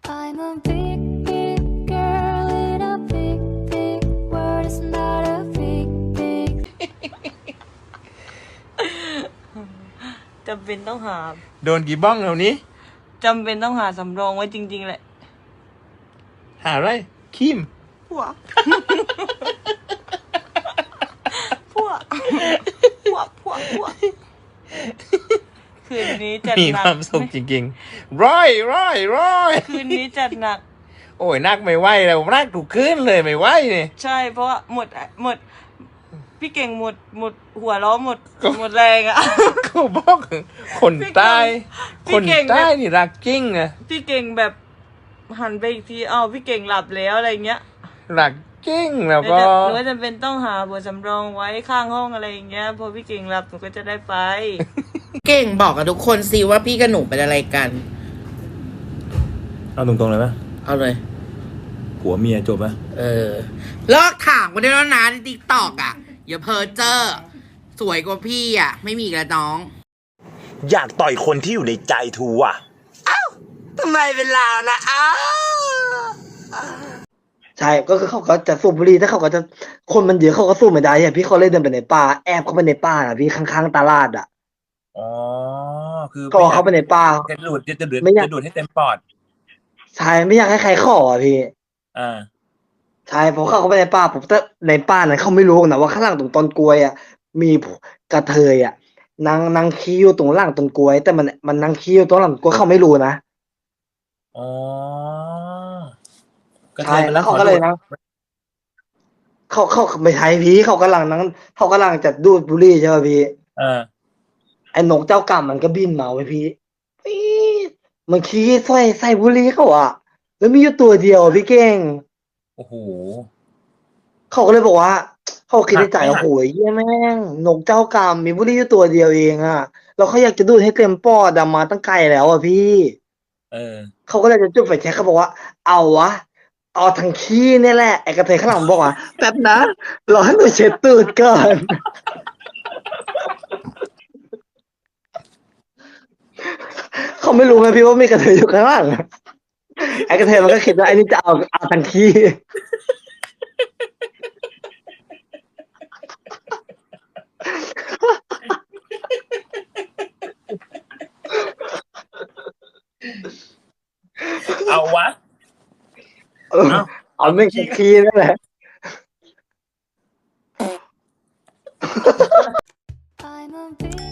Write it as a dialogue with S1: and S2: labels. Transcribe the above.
S1: I'm a big, big girl in a big, big world. It's not a big, big.
S2: จำเป็นต้องหา
S3: โดนกี่บ้องแล้วนี้
S2: จำเป็นต้องหาสำรองไว้จริงๆแหละ
S3: หาอะไรคิม
S2: พวก พวก คืนนี้จัด
S3: มี
S2: หนั
S3: ค
S2: ก
S3: วามสุขจริงๆร้อย
S2: คืนนี้จัดหนัก
S3: โอ้ยนักไม่ไหวแล้วนักถูกขึ้นเลยไม่ไหวเนี่ย
S2: ใช่เพราะว่าหมด พี่เก่งหมดหัวล้อหมดแรงอ่ะ
S3: เขาบอกคนใต้
S2: พี่
S3: คน
S2: เก่ง
S3: ใต้นี่รักจริงอะ
S2: พี่เก่งแบบหันไปอีกทีอ้าวพี่เก่งหลับแล้วอะไรเงี้ย
S3: รักจริงแล้ว
S2: หนู
S3: ก็
S2: ก็จำเป็นต้องหาบทสำรองไว้ข้างห้องอะไรอย่างเงี้ยพอพี่เก่งหลับหนูก็จะได้ไป
S4: เก่งบอกกับทุกคนสิว่าพี่กับหนูเป็นอะไรกัน
S5: เอาตรงๆเลยไหม
S4: เอาเลย
S5: ผัวเมียจบไหม
S4: เลิกถามกันได้แล้วนะในติ๊กตอกอ่ะ อย่าเพ้อเจ้อสวยกว่าพี่อ่ะ ไม่มีอีกแล้วน้อง
S6: อยากต่อยคนที่อยู่ในใจทูอ่ะ
S4: ทำไมเป็นเรานะอ้าว
S7: ใช่ก็คือเขาก็จะสูบบุหรี่ถ้าเขาก็จะคนมันเยอะเขาก็สูบไม่ได้อ่ะพี่เขาเลยเดินไปในป่าแอบเข้าไปในป่าอ่ะพี่ข้างๆตลาดอ่ะ
S5: อ๋อ คือ
S7: ก็เข้าไปในป่า
S5: จะดูดจะดูด
S7: ไม่อยาก
S5: จะดูดให้เต็มปอด
S7: ใช่ไม่อยากให้ใครขออ่ะพี่
S5: อ่า
S7: ใช่พอเข้าไปในป่าผมแต่ในป่านั้นเขาไม่รู้นะว่าข้างหลังตรงต้นกล้วยอ่ะมีกระเทยอ่ะนางขี้อยู่ตรงหลังต้นกล้วย แต่มันนางขี้อยู่ตรงหลังต้นกล้วยเขาไม่รู้นะ
S5: อ๋อ ก็
S7: ใช่
S5: มัน
S7: แล้วเขาก็เลยนะเขาไม่ใช่พี่เขากำลังจะดูดบุหรี่ใช่ป่ะพี่
S5: อ่า
S7: ไอ้นกเจ้ากรรมมันก็บินมาไว้พี่ปี๊ดมันขี้ใส่บุหรี่เขาอะแล้วมีอยู่ตัวเดียวพี่เก่ง
S5: โอ้โห
S7: เขาก็เลยบอกว่าเขาคิดในใจ
S5: หักไหม
S7: โอ้โหเหี้ยแม่งนกเจ้ากรรมมีบุหรี่อยู่ตัวเดียวเองอะแล้วเขาอยากจะดูดให้เต็มปอดอะมาตั้งไกลแล้วอะพี่
S5: เออ
S7: เขาก็เลยจะจุดไฟแช็กเขาบอกว่าเอาวะเอาทางขี้เนี่ยแหละไอ้กระเทยข้างหลังบอกว่าแป๊บนะรอให้หนูเช็ดตูดก่อน เขาไม่รู้ไงพี่ว่ามีกระเทยอยู่ข้างล่างอะไอ้กระเทยมันก็คิดว่าไอ้นี่จะเอาทางขี้
S5: เอาวะ
S7: เอาไม่งขี้นั่นแหละ
S1: I'm a big